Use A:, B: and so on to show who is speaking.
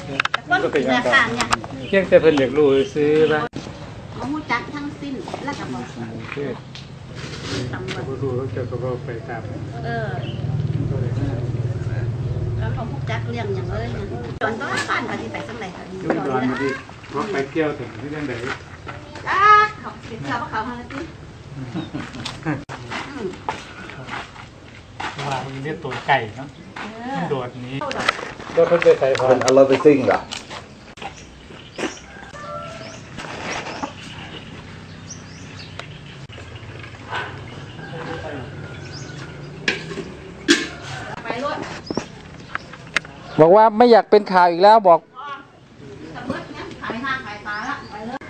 A: มันก็เป็นอย่างต่างเพียงแต่เพิ่นอยากรู้ซื้อว่า
B: เขาหูจักทั้งสิ้นแล้วก็บอกตำรวจ
A: รู้แล้วจะก็ไปตาม
B: แล้วเขาหูจักเรื่องอย่างเลยจอนต้องบ้านมาที่ไปสักไหนค่ะ
A: ยุ่งดอนมาดิเพราะไปเที่ยวถึงที่นั่นไหน
B: เขาเที่ยวเขามาแล้วที่
A: ว่ามันเรียกตัวไก่เนาะโดดนี้
C: ก็เพิ่งไปใส่พอเอารถไปซิ่งเหรอ
D: บอกว่าไม่อยากเป็นข่าวอีกแล้วบอก
B: ขายห้าขายตาละไปเลย